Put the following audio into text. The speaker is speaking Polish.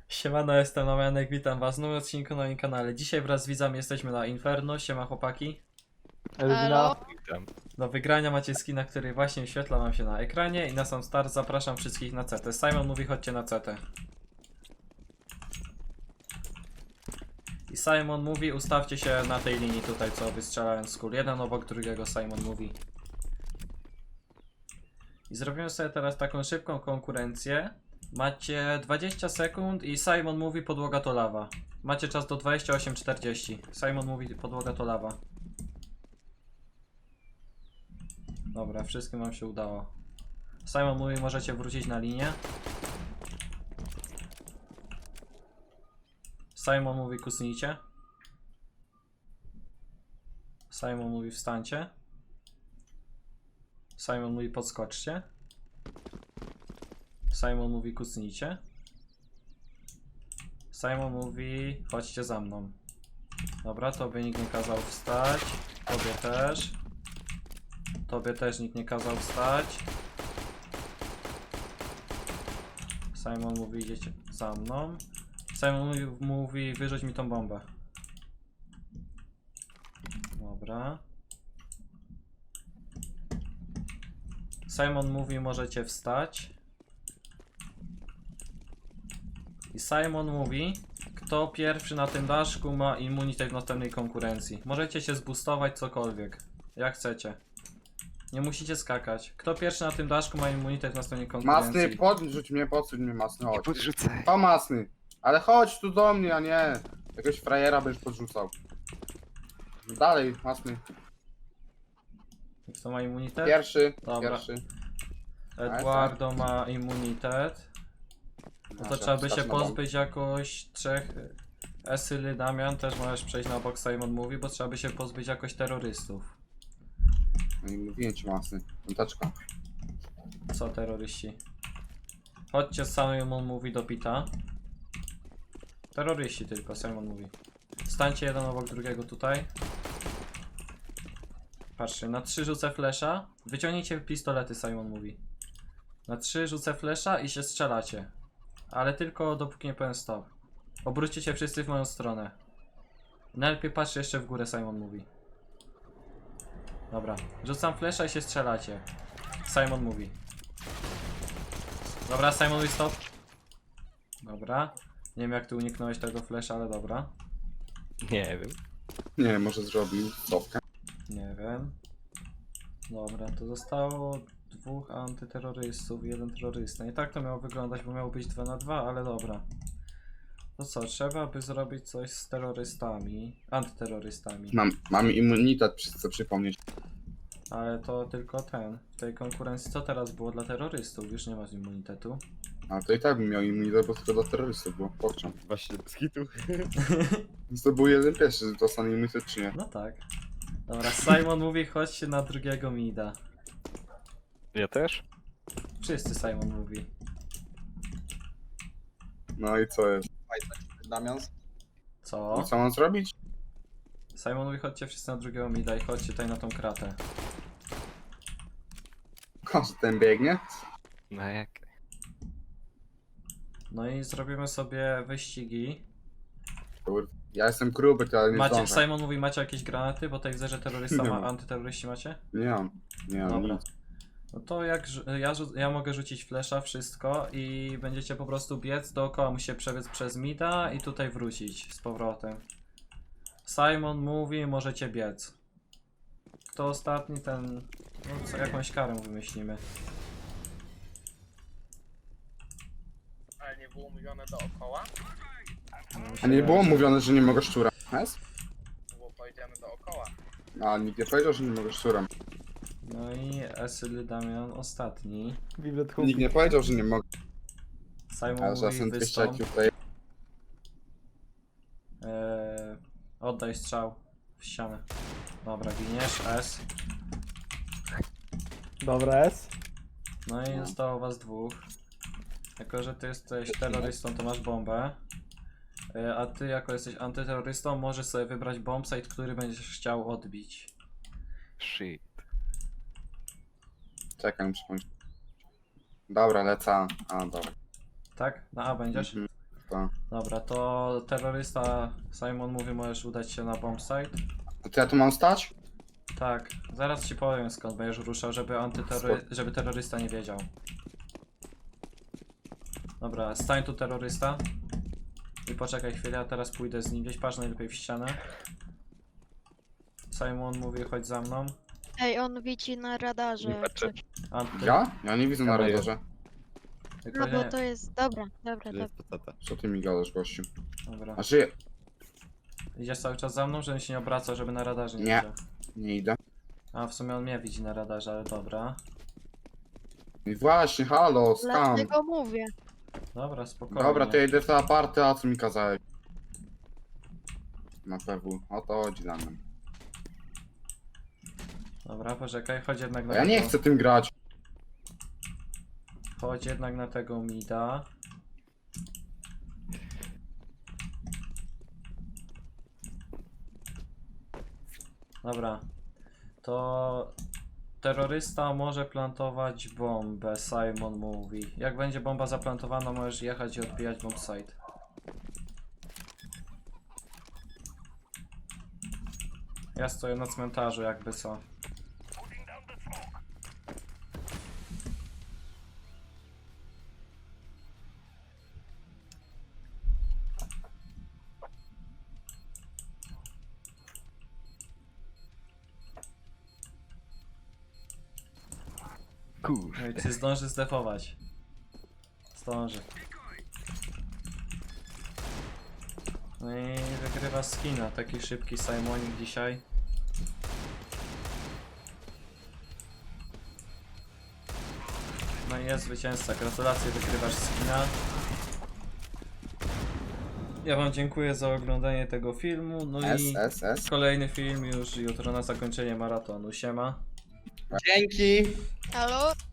Siemano, jestem Damianek, witam was w nowym odcinku na moim kanale. Dzisiaj wraz z widzami jesteśmy na Inferno. Siema chłopaki. Elwina, Witam. Do wygrania macie skina, który właśnie wyświetla wam się na ekranie i na sam start zapraszam wszystkich na CT. Simon mówi chodźcie na CT. I Simon mówi ustawcie się na tej linii tutaj, co wystrzelałem z kul. Jeden obok drugiego, Simon mówi. I zrobimy sobie teraz taką szybką konkurencję. Macie 20 sekund i Simon mówi podłoga to lawa. Macie czas do 28:40. Simon mówi podłoga to lawa. Dobra, wszystkim wam się udało. Simon mówi możecie wrócić na linię. Simon mówi kusnijcie. Simon mówi wstańcie. Simon mówi podskoczcie. Simon mówi kucnijcie. Simon mówi chodźcie za mną. Dobra, tobie nikt nie kazał wstać. Tobie też. Tobie też nikt nie kazał wstać. Simon mówi idziecie za mną. Simon mówi wyrzuć mi tą bombę. Dobra. Simon mówi możecie wstać. I Simon mówi, kto pierwszy na tym daszku ma immunitet w następnej konkurencji. Możecie się zboostować cokolwiek, jak chcecie. Nie musicie skakać. Kto pierwszy na tym daszku ma immunitet w następnej konkurencji. Masny, podrzuć mnie, podsuń mnie, Masny, Nie chodź. podrzucaj. O, Masny, ale chodź tu do mnie, a nie. Jakiegoś frajera będziesz podrzucał. Dalej, Masny. Kto ma immunitet? Pierwszy, Dobra. pierwszy. Eduardo ma immunitet. No to trzeba by się pozbyć jakoś trzech. Esyly, Damian, też możesz przejść na bok, Simon mówi, bo trzeba by się pozbyć jakoś terrorystów. No i mówiłem ci, Masny. Piąteczka. Co terroryści? Chodźcie, Simon mówi do Pita. Terroryści tylko, Simon mówi. Stańcie jeden obok drugiego tutaj. Patrzcie, na 3 rzucę flesza. Wyciągnijcie pistolety, Simon mówi. Na 3 rzucę flesza i się strzelacie. Ale tylko dopóki nie powiem stop. Obróćcie się wszyscy w moją stronę. Najlepiej patrzcie jeszcze w górę, Simon mówi. Dobra, rzucam flesza i się strzelacie. Simon mówi. Dobra, Simon mówi stop. Dobra. Nie wiem jak ty uniknąłeś tego flesza, ale dobra. Nie wiem. Nie, może zrobił stopkę. Nie wiem. Dobra, to zostało 2 antyterrorystów i 1 terrorysta. I tak to miało wyglądać, bo miało być 2 na 2, ale dobra. To co, trzeba by zrobić coś z terrorystami, antyterrorystami. Mam immunitet, chcę przypomnieć. Ale to tylko ten. W tej konkurencji co teraz było dla terrorystów? Już nie masz immunitetu. A to i tak bym miał immunitet, bo tylko dla terrorystów było. Pokczam. Właśnie bez hitu. Więc to był jeden pierwszy, że dostanie immunitet czy nie. No tak. Dobra, Simon mówi chodźcie na drugiego mida. Ja też? Wszyscy Simon mówi. No i co jest? Damian? Co? I co mam zrobić? Simon mówi chodźcie wszyscy na drugiego mida i chodźcie tutaj na tą kratę. Że ten biegnie? No jak? No i zrobimy sobie wyścigi. Kurde. Ja jestem gruby, to ale nie Macie, zdążę. Simon mówi macie jakieś granaty, bo tutaj widzę, że terrorysta Nie ma, mam. antyterroryści macie? Nie mam. Nie mam Dobra. nic. No to jak ja mogę rzucić flesza, wszystko i będziecie po prostu biec dookoła, musicie przebiec przez mida i tutaj wrócić z powrotem. Simon mówi, możecie biec. Kto ostatni, ten... No co, jakąś karę wymyślimy. Ale nie było mówione dookoła? A nie było mówione, że nie mogę szczura. Jest? Było powiedziane dookoła. A nikt nie powiedział, że nie mogę szczura. No i Esyl Damian ostatni. Biblet Nikt nie powiedział, że nie mogę. Simon Ale że mówi jestem 200 wystąp. IQ tutaj. Oddaj strzał w ścianę. Dobra, giniesz, S. Dobra, S. No i zostało was 2. Jako, że ty jesteś terrorystą, to masz bombę. A ty, jako jesteś antyterrorystą, możesz sobie wybrać bombsite, który będziesz chciał odbić. Shit. Czekaj, muszę pomyśleć. Dobra, lecę. A, dobra. Tak? Na A będziesz? Mhm. Tak. Dobra, to terrorysta Simon mówi, możesz udać się na bombsite. A to ja tu mam stać? Tak, zaraz ci powiem skąd będziesz ruszał, żeby terrorysta nie wiedział. Dobra, stań tu terrorysta. I poczekaj chwilę, ja teraz pójdę z nim gdzieś, patrz najlepiej w ścianę. Simon mówi, chodź za mną. Ej, on widzi na radarze. Nie patrzę. Anty, Ja? Ja nie widzę na Dawaj. radarze. tylko No bo nie. to jest... Dobra, dobra, dobra. Jest to tata. Co ty mi gadasz, gościu? Dobra. A żyje? Idziesz cały czas za mną, żebym się nie obracał, żeby na radarze nie Nie. widział. Nie idę. A w sumie on mnie widzi na radarze, ale dobra. I właśnie, halo, skam. Dlatego mówię. Dobra, spokojnie. Dobra, to ja idę w te aparty, a co mi kazałeś? Na PW, o to chodzi na mnie. Dobra, poczekaj, chodź jednak na Ja nie tego- chcę tym grać. Chodź jednak na tego mida. Dobra. To terrorysta może plantować bombę, Simon mówi. Jak będzie bomba zaplantowana, możesz jechać i odbijać bombsite. Ja stoję na cmentarzu, jakby co. Kurwa. No i czy zdąży zdefować? Zdąży. No i wygrywa skina, taki szybki Simonik dzisiaj. No i jest zwycięzca, gratulacje, wygrywasz skina. Ja wam dziękuję za oglądanie tego filmu, no i S. kolejny film już jutro na zakończenie maratonu, siema. Dzięki. Halo?